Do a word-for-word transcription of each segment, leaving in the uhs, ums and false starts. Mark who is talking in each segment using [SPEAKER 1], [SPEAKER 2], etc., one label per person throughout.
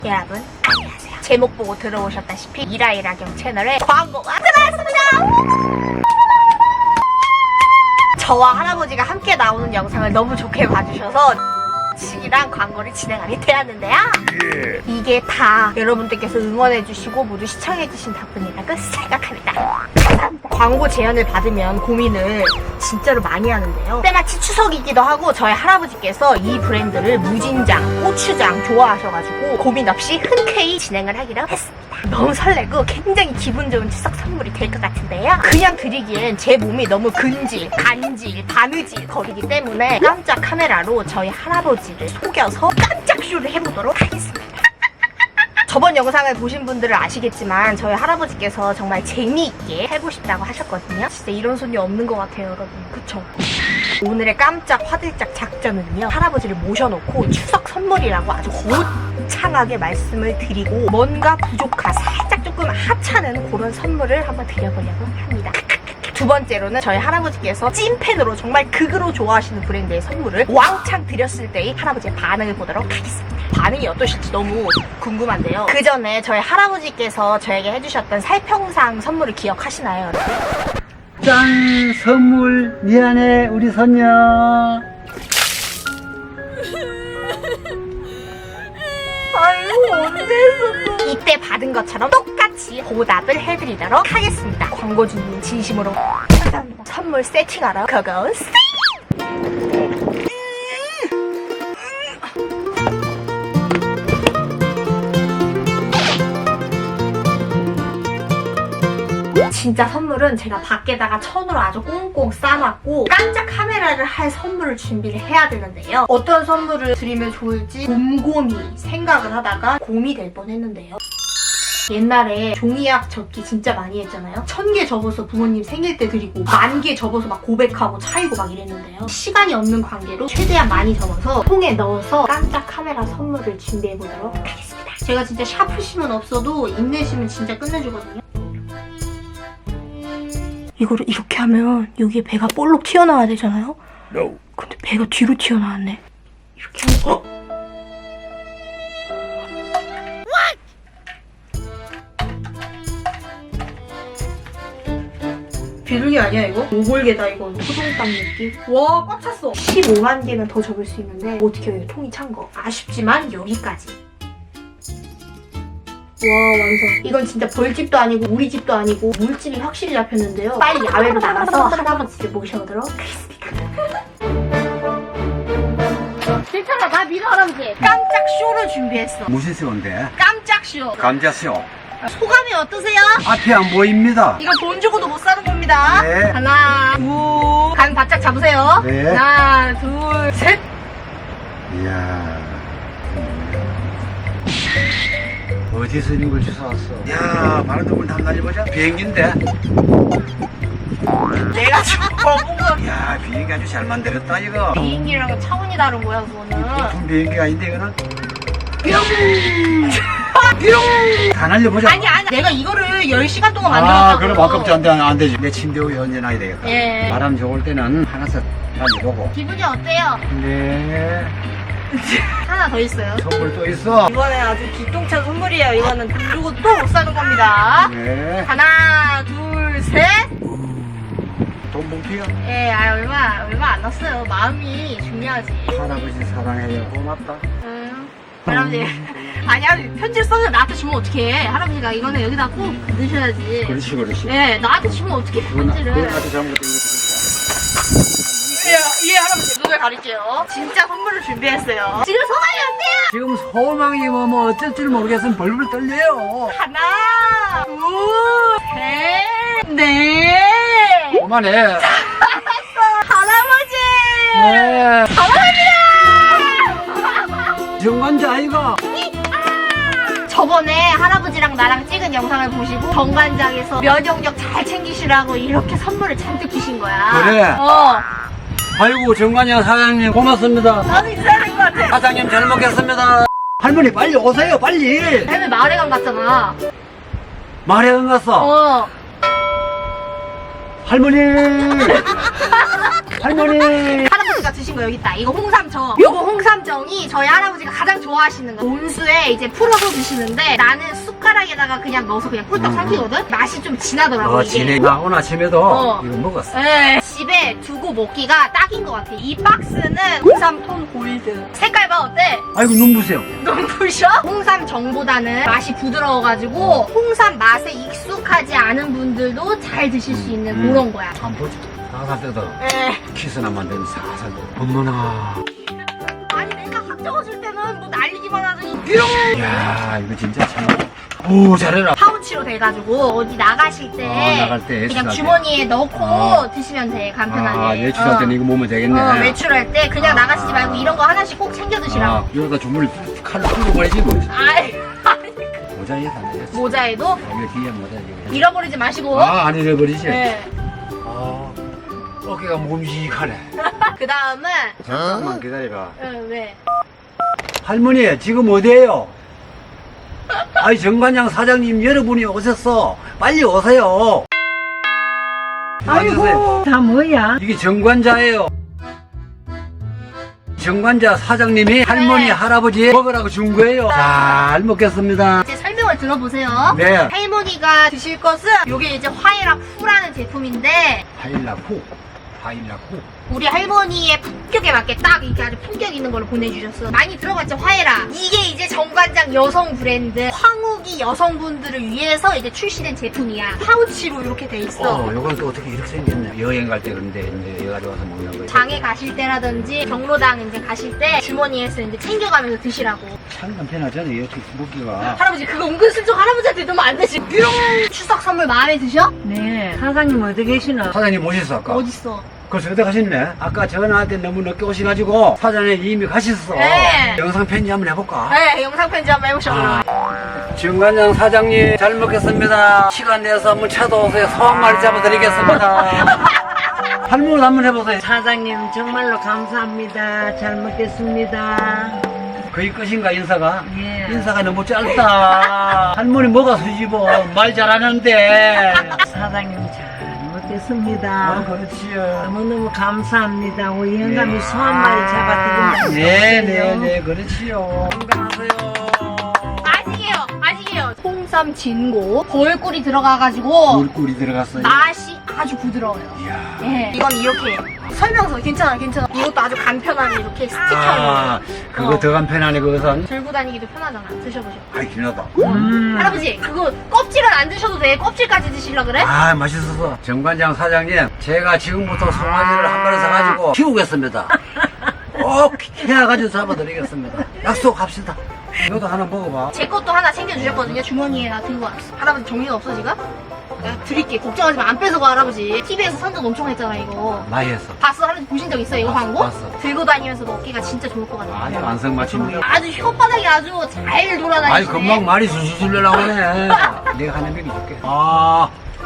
[SPEAKER 1] 여러분 안녕하세요. 제목 보고 들어오셨다시피 이라이라경 채널에 광고가 들어왔습니다. 저와 할아버지가 함께 나오는 영상을 너무 좋게 봐주셔서 이랑 광고를 진행하게 되었는데요.
[SPEAKER 2] 예.
[SPEAKER 1] 이게 다 여러분들께서 응원해주시고 모두 시청해주신 덕분이라고 생각합니다. 감사합니다. 광고 제안을 받으면 고민을 진짜로 많이 하는데요. 때마치 추석이기도 하고 저희 할아버지께서 이 브랜드를 무진장, 고추장 좋아하셔가지고 고민 없이 흔쾌히 진행을 하기로 했습니다. 너무 설레고 굉장히 기분 좋은 추석 선물이 될 것 같은데요. 그냥 드리기엔 제 몸이 너무 근질, 간질, 바느질 거리기 때문에 깜짝 카메라로 저희 할아버지를 속여서 깜짝 쇼를 해보도록 하겠습니다. 저번 영상을 보신 분들은 아시겠지만 저희 할아버지께서 정말 재미있게 해보고 싶다고 하셨거든요. 진짜 이런 손이 없는 것 같아요, 여러분. 그쵸? 오늘의 깜짝 화들짝 작전은요, 할아버지를 모셔놓고 추석 선물이라고 아주 거창하게 말씀을 드리고 뭔가 부족한 살짝 조금 하찮은 그런 선물을 한번 드려보려고 합니다. 두 번째로는 저희 할아버지께서 찐팬으로 정말 극으로 좋아하시는 브랜드의 선물을 왕창 드렸을 때의 할아버지의 반응을 보도록 하겠습니다. 반응이 어떠실지 너무 궁금한데요. 그 전에 저희 할아버지께서 저에게 해주셨던 살평상 선물을 기억하시나요, 여러분?
[SPEAKER 2] 짠! 선물 미안해 우리 선녀.
[SPEAKER 1] 아이고 언제 했어? 이때 받은 것처럼 똑같이 보답을 해드리도록 하겠습니다. 광고주님 진심으로 감사합니다. 선물 세팅하러 고고 세! 진짜 선물은 제가 밖에다가 천으로 아주 꽁꽁 싸놨고 깜짝 카메라를 할 선물을 준비를 해야 되는데요. 어떤 선물을 드리면 좋을지 곰곰이 생각을 하다가 곰이 될 뻔했는데요. 옛날에 종이약 접기 진짜 많이 했잖아요. 천 개 접어서 부모님 생일 때 드리고 만 개 접어서 막 고백하고 차이고 막 이랬는데요. 시간이 없는 관계로 최대한 많이 접어서 통에 넣어서 깜짝 카메라 선물을 준비해보도록 하겠습니다. 제가 진짜 샤프심은 없어도 인내심은 진짜 끝내주거든요. 이거를 이렇게 하면 여기에 배가 볼록 튀어나와야 되잖아요?
[SPEAKER 2] No.
[SPEAKER 1] 근데 배가 뒤로 튀어나왔네. 이렇게 하면 어? 비둘기 아니야 이거? 오골개다 이건. 토종닭 느낌? 와 꽉 찼어. 십오만 개는 더 접을 수 있는데 어떻게 해요 통이 찬 거. 아쉽지만 여기까지. 와 완성. 이건 진짜 벌집도 아니고 우리 집도 아니고 물집이 확실히 잡혔는데요. 빨리 야외로 나가서 할아버지를 모셔오도록 하겠습니다. 괜찮아 나 믿어 할아버지. 깜짝 쇼를 준비했어.
[SPEAKER 2] 무슨 쇼인데?
[SPEAKER 1] 깜짝 쇼.
[SPEAKER 2] 감자쇼.
[SPEAKER 1] 소감이 어떠세요?
[SPEAKER 2] 앞이 안 보입니다.
[SPEAKER 1] 이거 돈 주고도 못 사는 겁니다.
[SPEAKER 2] 네.
[SPEAKER 1] 하나 둘. 간 바짝 잡으세요.
[SPEAKER 2] 네.
[SPEAKER 1] 하나 둘 셋.
[SPEAKER 2] 이야. 어디서 이런 걸 주워왔어? 야, 바로 누굴 탐나해보자. 비행기인데?
[SPEAKER 1] 내가 지금 거본 거.
[SPEAKER 2] 야, 비행기 아주 잘 만들었다, 이거.
[SPEAKER 1] 비행기랑은 차원이 다른 거야 그거는.
[SPEAKER 2] 보통 비행기가 아닌데, 이거는? 뿅! 뿅! 다 날려보자.
[SPEAKER 1] 아니 아니 내가 이거를 열 시간 동안
[SPEAKER 2] 아,
[SPEAKER 1] 만들었다고.
[SPEAKER 2] 그럼 아깝지 안, 돼, 안 되지. 내 침대 위에 얹어놔야 되겠다.
[SPEAKER 1] 예.
[SPEAKER 2] 바람 좋을 때는 하나씩 날려보고.
[SPEAKER 1] 기분이 어때요?
[SPEAKER 2] 네.
[SPEAKER 1] 하나 더 있어요.
[SPEAKER 2] 선물 또 있어.
[SPEAKER 1] 이번에 아주 기똥찬 선물이에요. 이거는 돈 주고 또 못 사는 겁니다.
[SPEAKER 2] 네.
[SPEAKER 1] 하나 둘 셋.
[SPEAKER 2] 돈 봉투야.
[SPEAKER 1] 예, 아 얼마 얼마 안 났어요. 마음이 중요하지.
[SPEAKER 2] 할아버지 사랑해요. 고맙다.
[SPEAKER 1] 음, 할아버지. 아니 할아버지 편지를 써서 나한테 주면 어떡해. 할아버지가 이거는 여기다 꼭 넣으셔야지.
[SPEAKER 2] 그렇지, 그렇지.
[SPEAKER 1] 예, 나한테 주면 어떡해 편지를.
[SPEAKER 2] 그거한테 잘못된 거
[SPEAKER 1] 예, 예 할아버지 눈을 가릴게요. 진짜 선물을 준비했어요. 지금 소감이 어때요?
[SPEAKER 2] 지금 소망이 뭐, 뭐 어쩔 줄 모르겠으면 벌벌 떨려요.
[SPEAKER 1] 하나, 둘, 셋, 넷.
[SPEAKER 2] 그만해.
[SPEAKER 1] 할아버지!
[SPEAKER 2] 네.
[SPEAKER 1] 할아버지다!
[SPEAKER 2] 정관자 아이가.
[SPEAKER 1] 저번에 할아버지랑 나랑 찍은 영상을 보시고 정관장에서 면역력 잘 챙기시라고 이렇게 선물을 잔뜩 주신 거야.
[SPEAKER 2] 그래?
[SPEAKER 1] 어.
[SPEAKER 2] 아이고 정관장 사장님 고맙습니다.
[SPEAKER 1] 나도 있어야 될 것 같아.
[SPEAKER 2] 사장님 잘 먹겠습니다. 할머니 빨리 오세요 빨리.
[SPEAKER 1] 할머니 마을회관 갔잖아.
[SPEAKER 2] 마을회관 갔어.
[SPEAKER 1] 어.
[SPEAKER 2] 할머니. 할머니.
[SPEAKER 1] 할아버지 할아버지가 드신 거 여기 있다. 이거 홍삼정. 요거 홍삼정이 저희 할아버지가 가장 좋아하시는 거. 온수에 이제 풀어서 드시는데 나는 숟가락에다가 그냥 넣어서 그냥 꿀떡
[SPEAKER 2] 음.
[SPEAKER 1] 삼키거든? 맛이 좀 진하더라고.
[SPEAKER 2] 어,
[SPEAKER 1] 이게.
[SPEAKER 2] 진해. 나 오늘 아침에도
[SPEAKER 1] 어.
[SPEAKER 2] 이거 먹었어.
[SPEAKER 1] 네, 집에 두고 먹기가 딱인 것 같아. 이 박스는 홍삼 톤 골드. 색깔 봐, 어때?
[SPEAKER 2] 아이고, 눈부세요.
[SPEAKER 1] 눈부셔? 홍삼 정보다는 맛이 부드러워가지고 홍삼 맛에 익숙하지 않은 분들도 잘 드실 수 있는
[SPEAKER 2] 음.
[SPEAKER 1] 그런 거야.
[SPEAKER 2] 안 보지. 살살 뜯어.
[SPEAKER 1] 에.
[SPEAKER 2] 키스나 만드는 살살 뜯어. 엄마나.
[SPEAKER 1] 아니 내가 학 적어줄 때는 뭐 날리기만 하더니
[SPEAKER 2] 이야, 이거 진짜 참. 오, 잘해라.
[SPEAKER 1] 파우치로 돼가지고 어디 나가실 때,
[SPEAKER 2] 어, 나갈 때,
[SPEAKER 1] 그냥
[SPEAKER 2] 애출할
[SPEAKER 1] 주머니에 넣고
[SPEAKER 2] 어.
[SPEAKER 1] 드시면 돼, 간편하게.
[SPEAKER 2] 아, 외출할 때는 이거 먹으면 되겠네.
[SPEAKER 1] 어, 외출할 때 그냥
[SPEAKER 2] 아.
[SPEAKER 1] 나가시지 말고 이런 거 하나씩 꼭 챙겨 드시라고.
[SPEAKER 2] 아, 이러다 주물 칼로 풀어버리지 뭐.
[SPEAKER 1] 아이,
[SPEAKER 2] 모자에 안 되겠어.
[SPEAKER 1] 모자에도
[SPEAKER 2] 아, 이거 뒤에 모자에.
[SPEAKER 1] 잃어버리지 마시고.
[SPEAKER 2] 아, 안 잃어버리지?
[SPEAKER 1] 네.
[SPEAKER 2] 아, 어깨가 묵직하네.
[SPEAKER 1] 그 다음은
[SPEAKER 2] 잠깐만 기다려봐.
[SPEAKER 1] 응, 왜?
[SPEAKER 2] 할머니, 지금 어디에요? 아이, 정관장 사장님 여러분이 오셨어. 빨리 오세요.
[SPEAKER 3] 아이고, 다 뭐야?
[SPEAKER 2] 이게 정관자예요. 정관자 사장님이 할머니, 할아버지 먹으라고 준 거예요. 잘 먹겠습니다.
[SPEAKER 1] 이제 설명을 들어보세요.
[SPEAKER 2] 네.
[SPEAKER 1] 할머니가 드실 것은 요게 이제 화이락 후라는 제품인데
[SPEAKER 2] 하일라쿠, 하일라쿠.
[SPEAKER 1] 우리 할머니의 품격에 맞게 딱 이렇게 아주 품격 있는 걸로 보내주셨어. 많이 들어봤죠, 화해라. 이게 이제 정관장 여성 브랜드 황후기 여성분들을 위해서 이제 출시된 제품이야. 파우치로 이렇게 돼 있어.
[SPEAKER 2] 어, 요건 또 어떻게 이렇게 생겼네. 여행 갈 때 그런데 이제 여가지 와서 먹는 거예요.
[SPEAKER 1] 장에 가실 때라든지 경로당 이제 가실 때 주머니에서 이제 챙겨가면서 드시라고.
[SPEAKER 2] 참 간편하잖아요. 이렇게 먹기가.
[SPEAKER 1] 할아버지 그거 은근슬쩍 할아버지한테 넣으면 안 되지. 추석 선물 마음에 드셔?
[SPEAKER 3] 네, 사장님 어디 계시나?
[SPEAKER 2] 사장님 오셨어 아까?
[SPEAKER 1] 어딨어?
[SPEAKER 2] 벌써 어디 가셨네? 아까 전화할 때 너무 늦게 오셔가지고 사장님 이미 가셨어.
[SPEAKER 1] 네.
[SPEAKER 2] 영상 편지 한번 해볼까?
[SPEAKER 1] 네, 영상 편지 한번 해보셔.
[SPEAKER 2] 아. 정관장 사장님 잘 먹겠습니다. 시간 내서 한번 찾아오세요. 소 한 마리 잡아드리겠습니다. 할머니 한번 해보세요.
[SPEAKER 3] 사장님 정말로 감사합니다. 잘 먹겠습니다.
[SPEAKER 2] 거의 끝인가 인사가?
[SPEAKER 3] 예.
[SPEAKER 2] 인사가 너무 짧다. 할머니 뭐가 수집어? 말 잘하는데.
[SPEAKER 3] 사장님 잘
[SPEAKER 2] 아,
[SPEAKER 3] 먹겠습니다.
[SPEAKER 2] 그렇지요.
[SPEAKER 3] 너무너무 감사합니다. 우리 영감이
[SPEAKER 2] 네.
[SPEAKER 3] 소 한 마리 잡아드립니다.
[SPEAKER 2] 네네네, 그렇지요. 건강하세요.
[SPEAKER 1] 아시게요, 아시게요. 홍삼 진고 벌꿀이 들어가가지고
[SPEAKER 2] 물꿀이 들어갔어요.
[SPEAKER 1] 맛이 아주 부드러워요.
[SPEAKER 2] 이야.
[SPEAKER 1] 예, 이건 이렇게 설명서 괜찮아, 괜찮아. 이것도 아주 간편하게 이렇게 스틱형으로
[SPEAKER 2] 아, 그거
[SPEAKER 1] 어.
[SPEAKER 2] 더 간편하네, 그것은.
[SPEAKER 1] 들고 다니기도 편하잖아. 드셔보셔.
[SPEAKER 2] 아이, 기나다.
[SPEAKER 3] 음.
[SPEAKER 1] 할아버지, 그거 껍질은 안 드셔도 돼. 껍질까지 드시려 그래?
[SPEAKER 2] 아, 맛있어서. 정관장 사장님, 제가 지금부터 송아지를 한 마리 사가지고 키우겠습니다. 꼭 키워가지고 잡아드리겠습니다. 약속합시다. 너도 하나 먹어봐.
[SPEAKER 1] 제 것도 하나 챙겨주셨거든요. 주머니에 나 들고 왔어. 할아버지 정신 없어 지금? 내가 드릴게. 걱정하지 마. 안 뺏어가 할아버지. 티비에서 선전 엄청 했잖아 이거.
[SPEAKER 2] 많이 했어.
[SPEAKER 1] 봤어? 할아버지 보신 적 있어 이거
[SPEAKER 2] 봤어,
[SPEAKER 1] 광고?
[SPEAKER 2] 봤어.
[SPEAKER 1] 들고 다니면서 먹기가 진짜 좋을 것 같아.
[SPEAKER 2] 아니, 완성맞춤이야.
[SPEAKER 1] 아주 혓바닥이 아주 잘 돌아다니시네.
[SPEAKER 2] 아니, 금방 말이 술술 나오네. 내가 하나 먹여줄게. 아.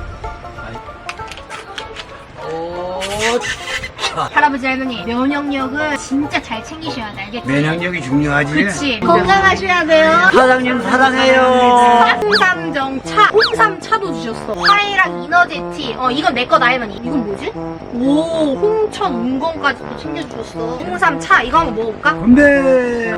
[SPEAKER 2] 아이. 오.
[SPEAKER 1] 할아버지 할머니 면역력을 진짜 잘 챙기셔야 돼. 알겠지?
[SPEAKER 2] 면역력이 중요하지.
[SPEAKER 1] 그치. 건강하셔야 돼요.
[SPEAKER 2] 사장님 사랑해요.
[SPEAKER 1] 홍삼정 차, 홍삼 차도 주셨어. 화이랑 이너제티. 어, 이건 내 거다 할머니. 이건 뭐지? 오, 홍천 운건까지 또 챙겨주셨어. 홍삼 차, 이거 한번 먹어볼까?
[SPEAKER 2] 건배.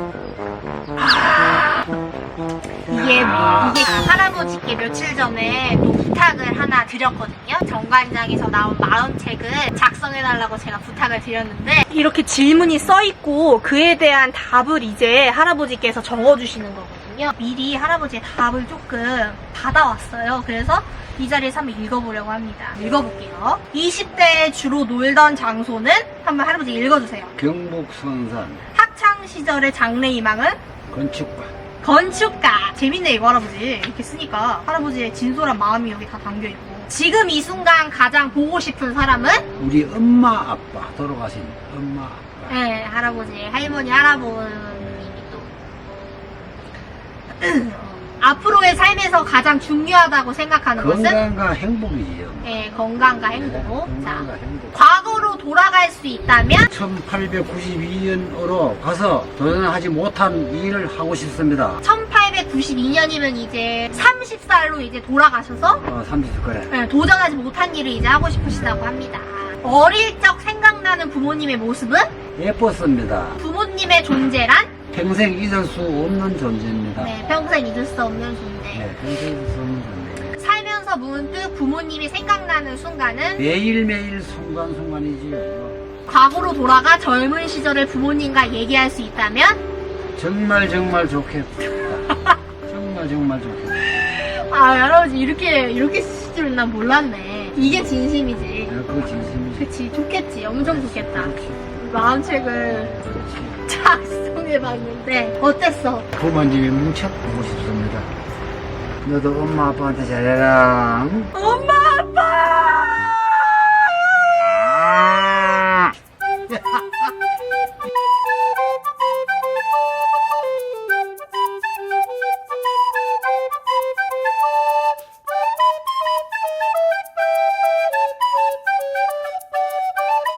[SPEAKER 1] 이게, 이게 할아버지께 며칠 전에 또 부탁을 하나 드렸거든요. 정관장에서 나온 마음책을 작성해달라고 제가 부탁을 드렸는데, 이렇게 질문이 써있고, 그에 대한 답을 이제 할아버지께서 적어주시는 거거든요. 미리 할아버지의 답을 조금 받아왔어요. 그래서 이 자리에서 한번 읽어보려고 합니다. 읽어볼게요. 이십 대에 주로 놀던 장소는? 한번 할아버지 읽어주세요.
[SPEAKER 2] 경북선산
[SPEAKER 1] 학창시절의 장래희망은?
[SPEAKER 2] 건축과.
[SPEAKER 1] 건축가. 재밌네 이거 할아버지. 이렇게 쓰니까 할아버지의 진솔한 마음이 여기 다 담겨있고. 지금 이 순간 가장 보고 싶은 사람은?
[SPEAKER 2] 우리 엄마 아빠 돌아가신 엄마 아빠.
[SPEAKER 1] 네, 할아버지, 할머니, 할아버님이 또 앞으로의 삶에서 가장 중요하다고 생각하는 것은?
[SPEAKER 2] 건강과 행복이지요.
[SPEAKER 1] 네, 건강과 행복. 자,
[SPEAKER 2] 건강과 행복.
[SPEAKER 1] 과거로 돌아갈 수 있다면?
[SPEAKER 2] 천팔백구십이 년으로 가서 도전하지 못한 일을 하고 싶습니다.
[SPEAKER 1] 천팔백구십이 년이면 이제 서른 살로 이제 돌아가셔서
[SPEAKER 2] 어, 삼십 그래.
[SPEAKER 1] 네, 도전하지 못한 일을 이제 하고 싶으시다고 합니다. 어릴 적 생각나는 부모님의 모습은?
[SPEAKER 2] 예뻤습니다.
[SPEAKER 1] 부모님의 존재란?
[SPEAKER 2] 평생 잊을 수 없는 존재입니다.
[SPEAKER 1] 네, 평생 잊을 수 없는 존재.
[SPEAKER 2] 네, 평생 잊을 수 없는 존재.
[SPEAKER 1] 살면서 문득 부모님이 생각나는 순간은?
[SPEAKER 2] 매일매일 순간순간이지요.
[SPEAKER 1] 과거로 돌아가 젊은 시절을 부모님과 얘기할 수 있다면?
[SPEAKER 2] 정말 정말 좋겠다. 정말 정말 좋겠다.
[SPEAKER 1] 아, 할아버지 이렇게 이렇게 쓰실 줄은 난 몰랐네. 이게 진심이지.
[SPEAKER 2] 야, 그거 진심이지.
[SPEAKER 1] 그치, 좋겠지. 엄청 좋겠다.
[SPEAKER 2] 그렇지.
[SPEAKER 1] 마음책을
[SPEAKER 2] 그렇지.
[SPEAKER 1] 작성해봤는데 어땠어?
[SPEAKER 2] 부모님이 뭉쳐 보고 싶습니다. 너도 엄마 아빠한테 잘해라.
[SPEAKER 1] 엄마